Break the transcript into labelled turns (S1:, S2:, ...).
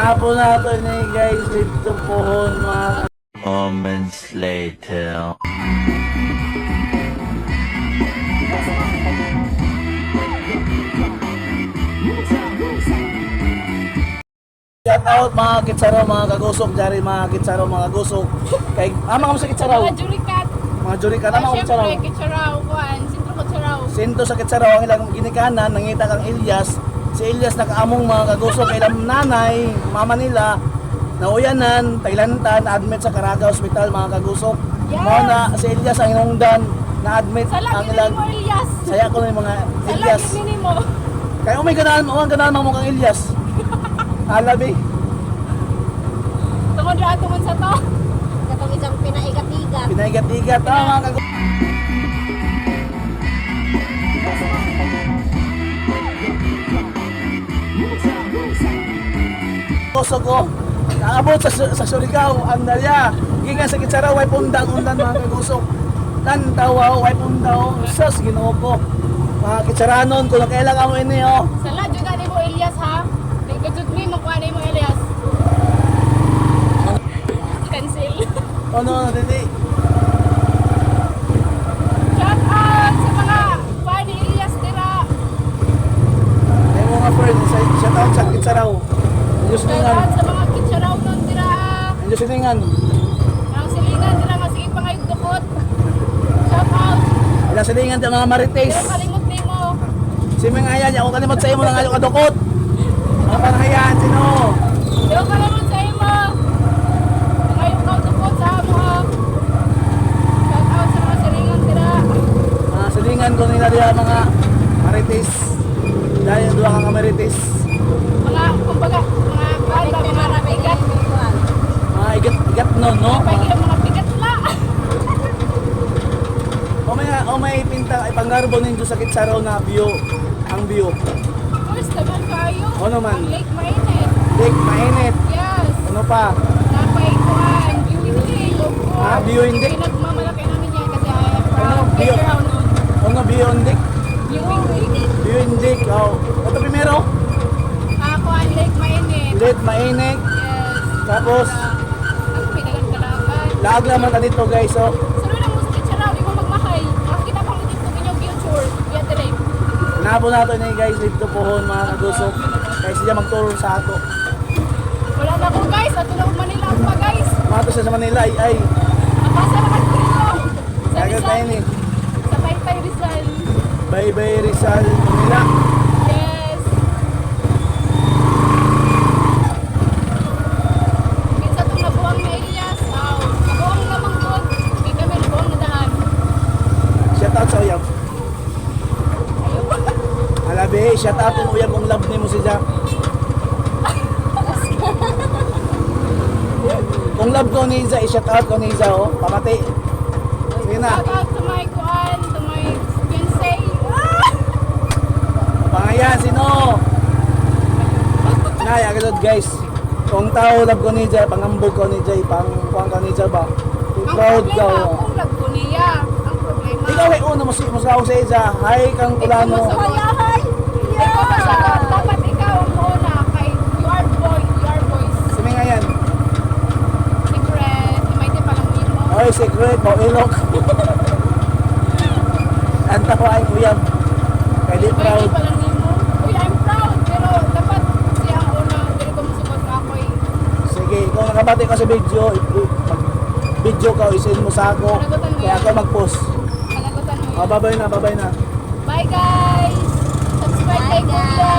S1: Napo nato ni guys dito pohon mga
S2: Moments later.
S1: shout out mga kitsaraw, mga kagusok dyan, mga kitsaraw, mga gusok. Kay mga sa kitsaraw.
S3: Mga jurikat.
S1: Mga jurikat na mga kitsaraw.
S3: Siyempre, kitsaraw. Kuhan, sintro kitsaraw.
S1: Sinto sa kitsaraw ang ilang ginikanan, nangita kang Ilyas. Si Ilyas nakaamong mga kagusok kay ilang nanay, mama nila, nauyanan, tailantan, admit sa Caraga Hospital mga kagusok.
S3: Yes.
S1: Mga na si Ilyas ang inungdan, na-admit
S3: Sa
S1: ang
S3: lagi
S1: ilang.
S3: mo, Elias.
S1: Saya ko na yung mga
S3: Sa
S1: Ilyas.
S3: lagi mo.
S1: Kaya may ganahan mo kang Ilyas. Alabi.
S3: Tungod ra tungod sa to.
S4: Katong isang pinaigat-igat.
S1: Pinaigat-igat mga kagusok. Puso ko, naabot sa Surigao, ang dalya. Gingan sa Kitsaraw, way pundang-undan mga kagusok. Tantawa, way pundaw, sus, ginoo ko. Mga Kitsaranon, kung kailangan mo ini, oh.
S3: Sa ladyo na ni mo, Elias, ha? Nagkajud mo, makuha na mo, Elias. Cancel.
S1: Ano, dili.
S3: Shout out sa mga kuha ni Elias, tira.
S1: Ay mga friend, shout out sa Kitsaraw. Diyos
S3: Shout
S1: ningan.
S3: out sa mga kitsaraw nun, tira.
S1: Diyos ningan.
S3: Ang silingan, tira nga, sige pa ngayon dukot. Shout out.
S1: Ilang silingan sa mga marites.
S3: Pero kalimot ni mo.
S1: Si Ming Ayan, ako kalimot sa imo lang ayaw kadukot. Ang panahayan, sino?
S3: Pero kalimot sa imo. Ngayon ka dukot sa amo, ha? Shout out sa mga silingan, tira.
S1: Mga silingan ko nila diya mga marites. Dahil doon kang marites.
S3: Mga, kumbaga, mga kuhan ba, mga bigat.
S1: Mga igat nun, no?
S3: Pagi ang mga bigat la.
S1: O may pinta, ipanggarbo ninyo sa Kitsaraw na view. Ang view.
S3: First naman kayo.
S1: Ano man?
S3: Ang lake mainit.
S1: Dik, mainit.
S3: Yes.
S1: Ano pa?
S3: Napay kuhan. Viewing day, of course.
S1: Ah, viewing day?
S3: Pinagmamalaki namin yan kasi I am proud.
S1: Ano?
S3: Playground nun.
S1: Ano view on dik?
S3: Viewing day.
S1: View in dik. Oh. Ito primero.
S3: Kuhan, lake mainit.
S1: Lit, mainit.
S3: Yes.
S1: Tapos,
S3: Ang pinagandalagan.
S1: laag naman ka dito guys. Oh.
S3: Sunod ang musik charaw, di mo magmahay. Makikita pang dito inyong future. Yan today.
S1: Nabo nato ni guys dito pohon mga kagusok. Kaya siya magturo sa ato.
S3: Wala na ko guys. Ato na kung Manila ako pa guys.
S1: Mato siya sa Manila ay.
S3: Napasa naman ko dito. Sa
S1: Kagad tayo ni.
S3: Sa Taytay Rizal.
S1: Bye Rizal, Manila.
S3: Yes. Minsan itong nabuang na Elias. Wow. Nabuang namang doon. Hindi kami nabuang na daan.
S1: Shout out sa uyab. Alabi, shout out ang uyab kung love ni mo si Jack. Kung love ko ni Iza, i-shout out ko ni Iza, oh. Pamati. Sige na.
S3: Shout out to my kuan, to my fiancé.
S1: Pangayan, sino? Nay, agad guys. Kung tao love ko ni Iza, pangambog ko ni Iza, pangkuhan ko ni Iza ba?
S3: Ang
S1: Proud ka,
S3: problema,
S1: oh.
S3: kung lagpo niya. Ang problema.
S1: Ikaw ay una, musaw sa Iza. Hi, kang kulano.
S3: Ikaw masagot. Ikaw masagot. Dapat ikaw ang una kay you are boy, you are boys.
S1: Sino nga yan?
S3: Secret. May di palang mo.
S1: Oy, secret, mo ilok. Ang tawa ay uyab. Kaya di
S3: May
S1: proud.
S3: di palang mo. Uy, I'm proud. Pero dapat siya ang una. Pero kung masugot ka ako eh.
S1: Sige, kung nakabati ka sa video, video ka, isin mo sa ako. Kaya ako mag-post.
S3: Panagutan mo yun.
S1: Babay na, babay na.
S3: Bye guys! Subscribe kay Kuya!